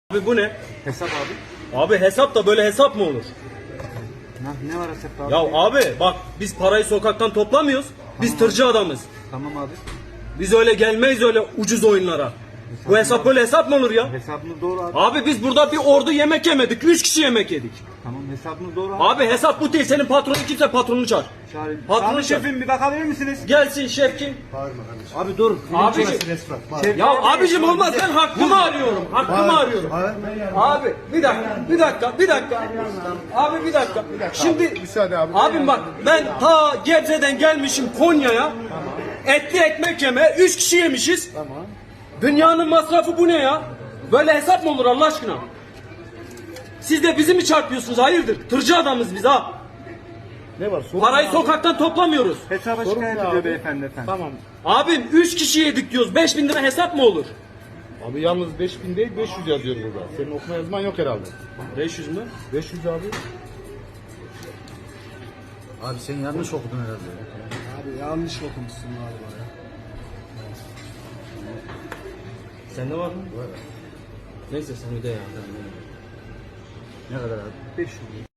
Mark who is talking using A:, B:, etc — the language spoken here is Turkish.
A: Abi bu ne?
B: Hesap abi.
A: Abi hesap da böyle hesap mı olur?
B: Ne var hesapta abi?
A: Ya abi bak biz parayı sokaktan toplamıyoruz. Biz tırcı adamız.
B: Tamam abi.
A: Biz öyle gelmeyiz öyle ucuz oyunlara. Bu hesap böyle hesap mı olur ya?
B: Hesabınız doğru abi.
A: Abi biz burada bir ordu yemek yemedik. 3 kişi yemek yedik.
B: Tamam hesabınız doğru abi.
A: Abi hesap bu değil. Senin patronun kimse patronunu çağır.
B: Çağırayım.
A: Patronu
B: Abi
A: çağır.
B: şefim bir bakabilir misiniz?
A: Gelsin şef kim?
B: Abi dur.
A: Abicim. Ya abicim olmaz ben hakkımı arıyorum. Hakkımı arıyorum. Abi bir dakika. Abi bir dakika. Şimdi
C: Müsaade abi.
A: abim bak ben ta Gebze'den gelmişim Konya'ya. Etli ekmek yeme 3 kişi yemişiz.
C: Tamam.
A: Dünyanın masrafı bu ne ya? Böyle hesap mı olur Allah aşkına? Siz de bizi mi çarpıyorsunuz? Hayırdır? Tırcı adamız biz ha.
C: Ne var? Sorun
A: Parayı
C: ne
A: sokaktan toplamıyoruz.
B: Hesaba
C: Sorun
B: şikayet
C: ne
B: ediyor
C: abi?
B: beyefendi efendim.
C: Tamam.
A: Abim 3 kişi yedik diyoruz. 5.000 lira hesap mı olur?
C: Abi yalnız 5000 değil 500 yazıyor burada. Senin okuma yazman yok herhalde.
A: 500 mü?
C: 500 abi.
D: Abi sen yanlış okudun herhalde.
E: Abi yanlış okumuşsun galiba ya.
A: Sende var mı? Var. Neyse sen öde ya.
D: Ne kadar abi?
B: 500.